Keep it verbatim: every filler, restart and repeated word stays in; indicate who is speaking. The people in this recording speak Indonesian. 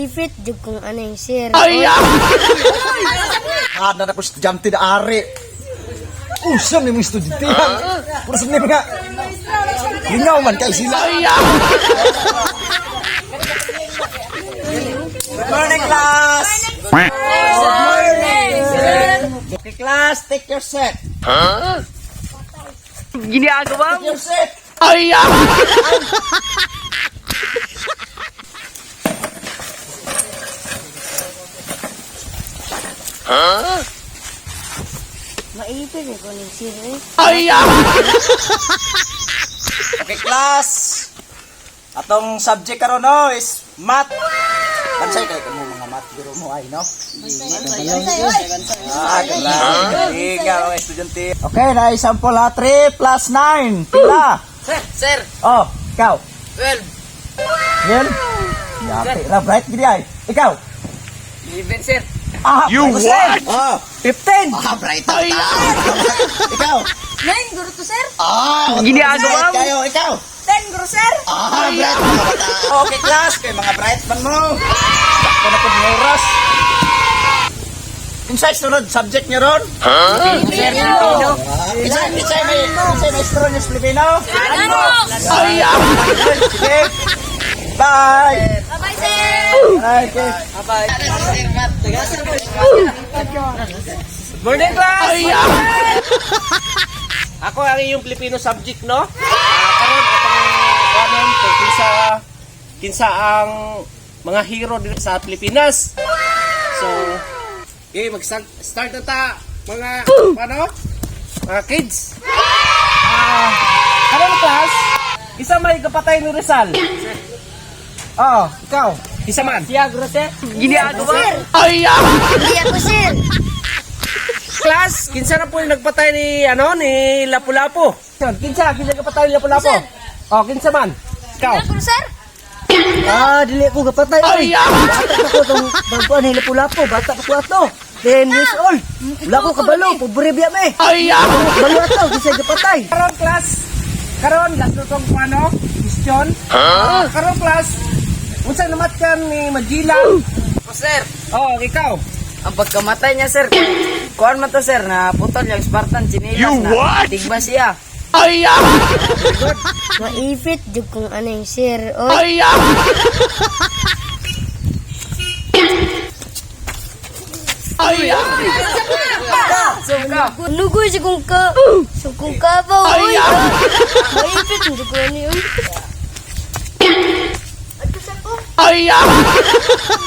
Speaker 1: Ifit jud kung ano yung sir.
Speaker 2: Ay,
Speaker 3: Ada na po estudyante na ari. Usam ni mga estudyante. Puro sa mga lingaw man kay sila. Good morning, class. Good morning. Okay, class, take your set.
Speaker 2: ginagawa
Speaker 3: Take your set.
Speaker 2: Ay,
Speaker 1: Maipit eh kung yung sir eh.
Speaker 2: ay,
Speaker 3: Okay, class. Atong subject karon no is math. Bansay kay kamo mga math guro mo ay no? Ah, gala. Ikaw ang estudyante. Okay, na example ha, three plus nine. Pila?
Speaker 2: sir, sir,
Speaker 3: Oh, ikaw.
Speaker 2: twelve,
Speaker 3: Yan. Yate, ra bright gidi ay. Ikaw.
Speaker 2: eleven, sir,
Speaker 3: Ah,
Speaker 2: You
Speaker 3: what? Oh, fifteen. Ah, bright ta. Ikaw.
Speaker 1: Nine, guro to sir.
Speaker 3: Ah,
Speaker 2: Ginagawa mo.
Speaker 3: kayo, ikaw.
Speaker 1: Ten, guro sir.
Speaker 3: Ah, bright mga bata. Okay, class, kay mga bright man mo. Sakto na pud ng oras. Inside sunod subject niyo ron?
Speaker 1: Filipino.
Speaker 3: Isa, isa may, isa may strong yung Filipino.
Speaker 1: Ano?
Speaker 2: ay,
Speaker 3: Sige. Bye.
Speaker 1: Bye-bye sir.
Speaker 3: Bye. Okay.
Speaker 2: morning class. Ay, ako ang iyong Filipino subject, no? Ah, karon atong kanon kinsa kinsa ang mga hero dito sa Pilipinas. So, okay, mag-start start na ta mga ano? Mga kids. Ah, karon class, isa may kapatay ni Rizal. Oh, ikaw. Isa man. Siya, grosse. Ginagawa. Ay,
Speaker 1: Hindi ako sir.
Speaker 2: class, kinsa na po yung nagpatay ni ano ni Lapu-Lapu? Kinsa, kinsa nagpatay ni Lapu-Lapu? Oh, kinsa man? Ikaw.
Speaker 1: Guro sir.
Speaker 4: Ah, dili ko kapatay.
Speaker 2: Ay,
Speaker 4: Bata pa ko itong bagpuan ni Lapu-Lapu. Bata pa ko ato. ten years old. Wala ko kabalo. Pobre biya me.
Speaker 2: ay,
Speaker 4: Balo ato. Kisay kapatay.
Speaker 2: karon class. Karon last na tong ano? Question. Ah, karon class. Unsa namat kan ni Magila?
Speaker 4: Oh, sir.
Speaker 2: Oh, ikaw.
Speaker 4: Ang pagkamatay niya, sir. Kuhan man to, sir, na putol yung Spartan chinilas
Speaker 2: You
Speaker 4: na.
Speaker 2: what?
Speaker 4: Tigba siya.
Speaker 2: Ay,
Speaker 1: Maipit jud kung ano yung sir. Oh,
Speaker 2: ay, ay,
Speaker 4: Suka.
Speaker 1: lugoy siya kung ka. So kung ka ba,
Speaker 2: Ay,
Speaker 1: oy.
Speaker 2: ah.
Speaker 1: Maipit jud kung ano yun. At kasi ko.
Speaker 2: ay,